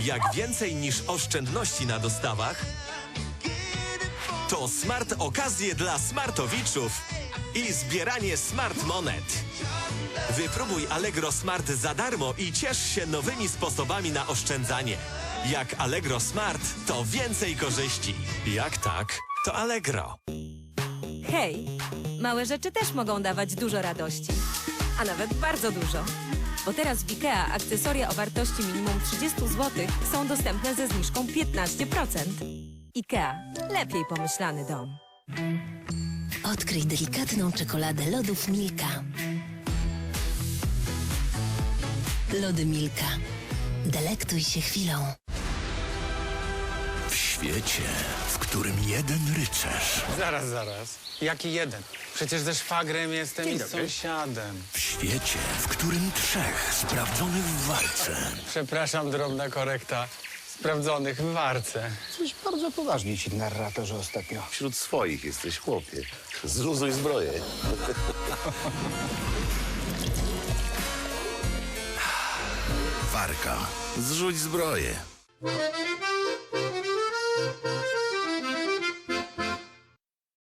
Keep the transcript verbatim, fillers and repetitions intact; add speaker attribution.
Speaker 1: Jak więcej niż oszczędności na dostawach, to smart okazje dla smartowiczów i zbieranie smart monet. Wypróbuj Allegro Smart za darmo i ciesz się nowymi sposobami na oszczędzanie. Jak Allegro Smart, to więcej korzyści. Jak tak, to Allegro.
Speaker 2: Hej, małe rzeczy też mogą dawać dużo radości. A nawet bardzo dużo. Bo teraz w IKEA akcesoria o wartości minimum trzydzieści złotych są dostępne ze zniżką piętnaście procent. IKEA. Lepiej pomyślany dom.
Speaker 3: Odkryj delikatną czekoladę lodów Milka. Lody Milka. Delektuj się chwilą.
Speaker 4: W świecie, w którym jeden rycerz,
Speaker 5: Zaraz, zaraz. Jaki jeden? Przecież ze szwagrem jestem i z sąsiadem.
Speaker 4: w świecie, w którym trzech sprawdzonych w walce
Speaker 5: Przepraszam, drobna korekta. Sprawdzonych w warce.
Speaker 6: Coś bardzo poważnie ci, narratorze, ostatnio.
Speaker 7: Wśród swoich jesteś chłopie. Zluzuj zbroję.
Speaker 4: Warka. Zrzuć zbroję.